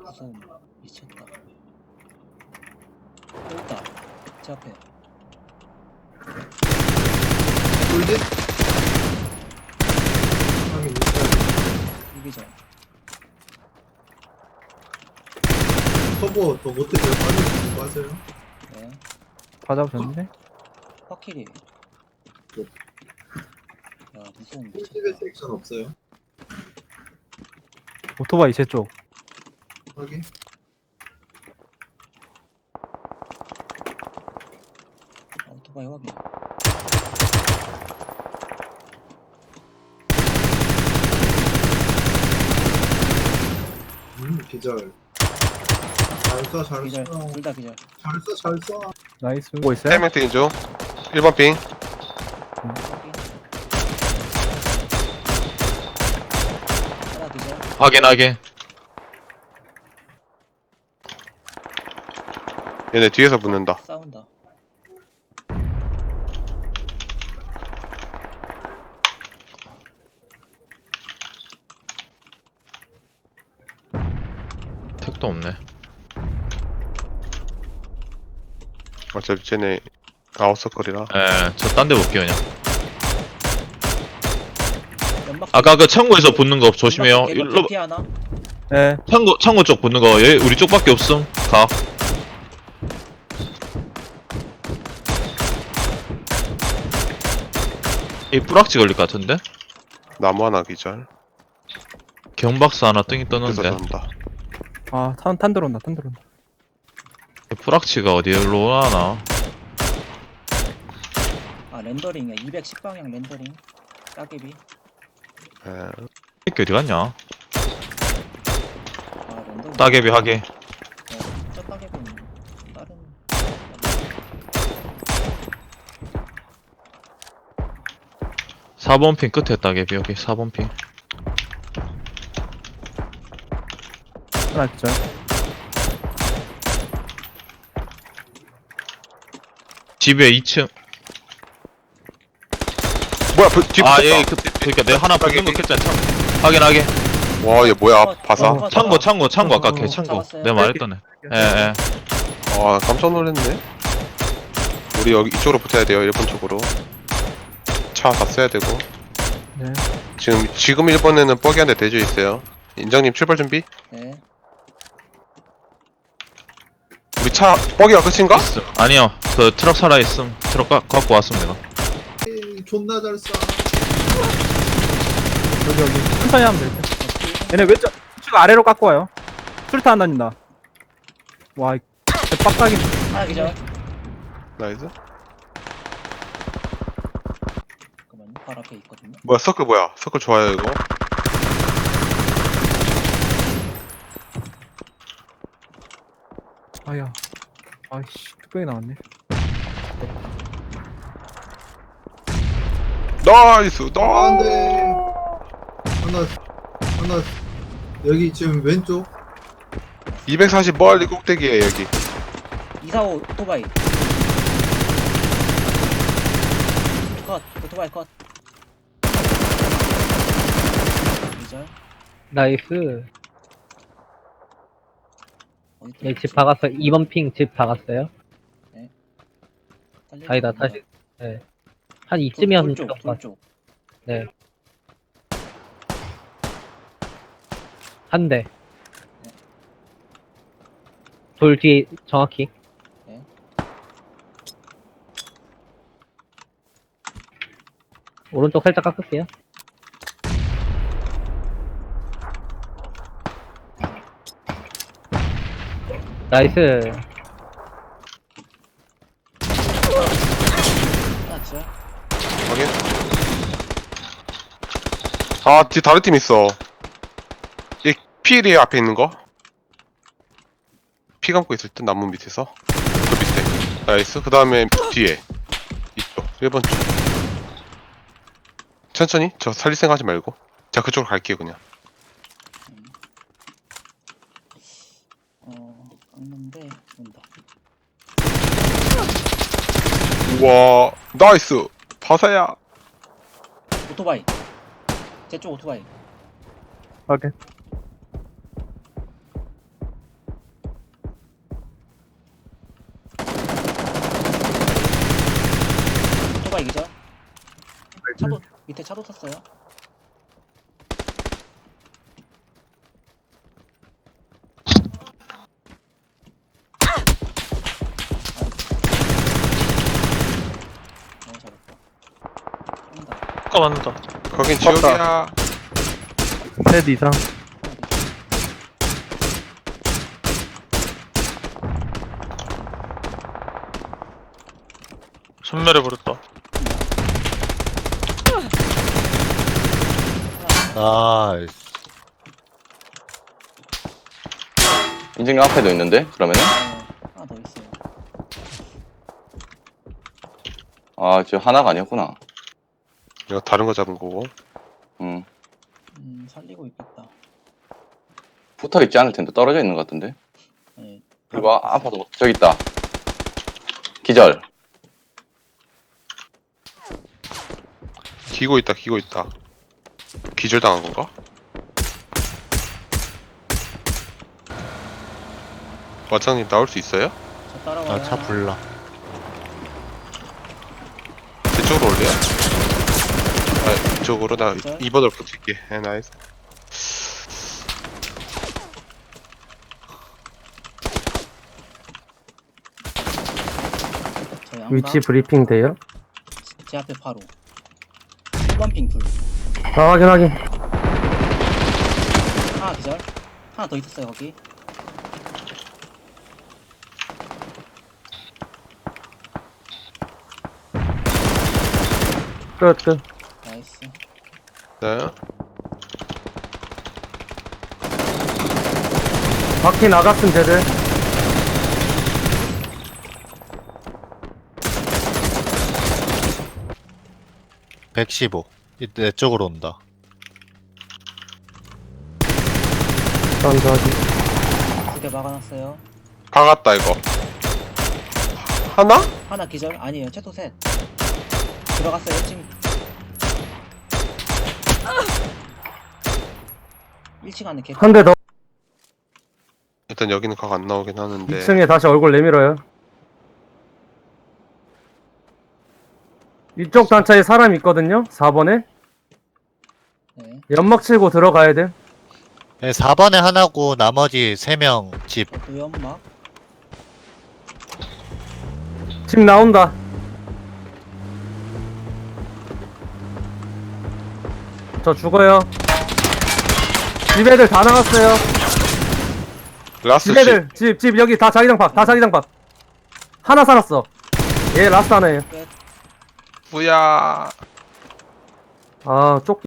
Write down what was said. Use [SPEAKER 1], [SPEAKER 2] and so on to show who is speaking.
[SPEAKER 1] 무서운 미쳤다. 또 있다. 제 앞에.
[SPEAKER 2] 돌지? 하긴 있어요.
[SPEAKER 1] 이기죠.
[SPEAKER 2] 커버 더 못해서 빠져요.
[SPEAKER 1] 네.
[SPEAKER 3] 다 잡으셨는데?
[SPEAKER 1] 확실히. 야 무서운 미쳤다.
[SPEAKER 2] 꿀집에 섹션 없어요.
[SPEAKER 3] 오토바이 제 쪽.
[SPEAKER 2] 확인.
[SPEAKER 1] 오토바이 확인.
[SPEAKER 2] 기절. 잘 쏴, 잘
[SPEAKER 1] 기절.
[SPEAKER 2] 쏴.
[SPEAKER 1] 둘 다 기절.
[SPEAKER 2] 잘 쏴, 잘 쏴.
[SPEAKER 3] 나이스. 보고 있어요?
[SPEAKER 4] 3명 뛰는 중 1번 핑
[SPEAKER 1] 확인. 하나 기절.
[SPEAKER 5] 확인하게.
[SPEAKER 4] 얘네 뒤에서 붙는다.
[SPEAKER 1] 싸운다.
[SPEAKER 5] 택도 없네.
[SPEAKER 4] 어차피 쟤네 아웃서클이라.
[SPEAKER 5] 예, 저 딴 데 볼게요 그냥.
[SPEAKER 1] 연막.
[SPEAKER 5] 아까 그 창고에서 붙는 거 조심해요. 일로
[SPEAKER 1] 피 하나.
[SPEAKER 3] 네.
[SPEAKER 5] 창고 쪽 붙는 거 얘 우리 쪽밖에 없음. 가. 이 뿌락지 걸릴 것 같은데?
[SPEAKER 4] 나무 하나 기절.
[SPEAKER 5] 경박사 하나 뜬이
[SPEAKER 4] 그래서
[SPEAKER 5] 떴는데
[SPEAKER 4] 난다.
[SPEAKER 3] 아, 탄 들어온다, 탄 들어온다.
[SPEAKER 5] 이 뿌락지가 어디로 하나?
[SPEAKER 1] 아 렌더링이야. 210방향 렌더링. 따개비.
[SPEAKER 4] 에,
[SPEAKER 5] 이게 어디 갔냐?
[SPEAKER 1] 아 렌더링.
[SPEAKER 5] 따개비 하게.
[SPEAKER 1] 네, 저 따개비는 다른.
[SPEAKER 5] 4번 핑 끝에 따개비 여기 4번 핑.
[SPEAKER 3] 하나 기절.
[SPEAKER 5] 집에 2층.
[SPEAKER 4] 뭐야 뒤
[SPEAKER 5] 아,
[SPEAKER 4] 붙었다.
[SPEAKER 5] 예, 그니까 내가 하나 붙는 거 켰잖아. 확인하게.
[SPEAKER 4] 와 얘 뭐야 바사.
[SPEAKER 5] 창고 아까 걔 창고.
[SPEAKER 1] 잡았어요.
[SPEAKER 5] 내가 말했더네. 예, 예.
[SPEAKER 4] 와 깜짝 놀랐네. 우리 여기 이쪽으로 붙어야 돼요. 1번 쪽으로. 차 다 써야 되고.
[SPEAKER 3] 네.
[SPEAKER 4] 지금 1번에는 뻐기 한 대 대져 있어요. 인장님 출발 준비.
[SPEAKER 1] 네.
[SPEAKER 4] 우리 차 뻐기가 끝인가?
[SPEAKER 5] 있어. 아니요. 그 트럭 살아있음. 트럭 갖고 왔음 내가.
[SPEAKER 2] 에이, 존나 잘 쏴.
[SPEAKER 3] 여기. 천천히 하면 될 듯. 얘네 왼쪽, 쭉 아래로 깎고 와요. 수류탄 안 다닌다. 와, 빡빡이.
[SPEAKER 1] 하나 기절.
[SPEAKER 4] 나이스.
[SPEAKER 1] 잠깐만요. 바로 앞에 있거든요.
[SPEAKER 4] 뭐야 서클 뭐야? 서클 좋아요 이거.
[SPEAKER 3] 아야. 아이씨, 뚝배기 나왔네.
[SPEAKER 4] 나이스.
[SPEAKER 2] 안
[SPEAKER 4] 나.
[SPEAKER 2] 돼. 하나. 여기 지금 왼쪽.
[SPEAKER 4] 240 멀리 꼭대기에 여기.
[SPEAKER 1] 245 오토바이. 컷. 오토바이 컷. 기절.
[SPEAKER 6] 나이스.
[SPEAKER 1] 어디 또
[SPEAKER 6] 네,
[SPEAKER 1] 있지?
[SPEAKER 6] 집 박았어요. 2번 핑 집 박았어요.
[SPEAKER 1] 달리는
[SPEAKER 6] 아니다,
[SPEAKER 1] 거
[SPEAKER 6] 다시. 네. 한
[SPEAKER 1] 돌
[SPEAKER 6] 이쯤이었으면
[SPEAKER 1] 쪽,
[SPEAKER 6] 좋을 것
[SPEAKER 1] 돌
[SPEAKER 6] 같아요.
[SPEAKER 1] 쪽.
[SPEAKER 6] 네. 한 대. 돌 뒤에 정확히.
[SPEAKER 1] 네.
[SPEAKER 6] 오른쪽 살짝 깎을게요. 나이스.
[SPEAKER 1] 하나 기절.
[SPEAKER 4] 확인. 아, 뒤 다른 팀 있어. 이 필이 앞에 있는 거. 피 감고 있을 때 나무 밑에서. 그 밑에. 나이스. 그 다음에 뒤에. 이쪽. 1번 쪽. 천천히. 저 살릴 생각 하지 말고. 자, 그쪽으로 갈게요, 그냥.
[SPEAKER 1] 깎는데 온다.
[SPEAKER 4] 우와. 나이스. 바사야.
[SPEAKER 1] 오토바이. 제 쪽 오토바이.
[SPEAKER 3] 오케이.
[SPEAKER 1] 밑에 차도 탔어요. 너무 잘했다. 한다.
[SPEAKER 5] 아까 맞는다.
[SPEAKER 4] 거긴 지옥이야.
[SPEAKER 3] 셋 이상.
[SPEAKER 5] 전멸해버렸다.
[SPEAKER 7] 나이스.
[SPEAKER 8] 인증 앞에도 있는데 그러면은
[SPEAKER 1] 하나 더 있어요.
[SPEAKER 8] 아 저 하나가 아니었구나.
[SPEAKER 4] 이거 다른 거 잡은 거고.
[SPEAKER 1] 살리고 있겠다.
[SPEAKER 8] 붙어 있지 않을 텐데 떨어져 있는 것 같은데.
[SPEAKER 1] 네.
[SPEAKER 8] 그리고 아파도 저기 있다. 기절.
[SPEAKER 4] 기고 있다, 기고 있다. 기절당한 건가? 와장님 나올 수 있어요?
[SPEAKER 1] 저 따라와요.
[SPEAKER 7] 나 차 불나.
[SPEAKER 4] 이쪽으로 올래요? 아, 이쪽으로 나
[SPEAKER 1] 기절?
[SPEAKER 4] 2번을 붙일게. 나이스.
[SPEAKER 1] 저 양각.
[SPEAKER 3] 위치 브리핑 돼요?
[SPEAKER 1] 제 앞에 바로. 1번 핑 둘.
[SPEAKER 3] 아, 확인.
[SPEAKER 1] 하나 기절. 하나 더 있었어요 거기.
[SPEAKER 3] 끝.
[SPEAKER 1] 나이스.
[SPEAKER 4] 네.
[SPEAKER 3] 바퀴 나갔음 쟤들.
[SPEAKER 7] (115) 내 쪽으로 온다.
[SPEAKER 3] 감사하지.
[SPEAKER 1] 2개 막아놨어요.
[SPEAKER 4] 박았다 이거. 하나?
[SPEAKER 1] 하나 기절? 아니에요. 최소 셋. 들어갔어요. 지금 1층 안에 개.
[SPEAKER 3] 한 대 더.
[SPEAKER 4] 일단 여기는 각 안 나오긴 하는데.
[SPEAKER 3] 2층에 다시 얼굴 내밀어요. 이쪽 단차에 사람 있거든요. 4번에.
[SPEAKER 1] 네.
[SPEAKER 3] 연막 치고 들어가야 돼.
[SPEAKER 7] 네, 4번에 하나고 나머지 3명 집.
[SPEAKER 1] 또 연막.
[SPEAKER 3] 집 나온다. 저 죽어요. 집 애들 다 나갔어요.
[SPEAKER 4] 라스트
[SPEAKER 3] 집 애들 집 여기 다 자기장 밥. 다 자기장 밥. 하나 살았어. 얘 라스트 하나예요.
[SPEAKER 4] 뿌야.
[SPEAKER 3] 아, 쪽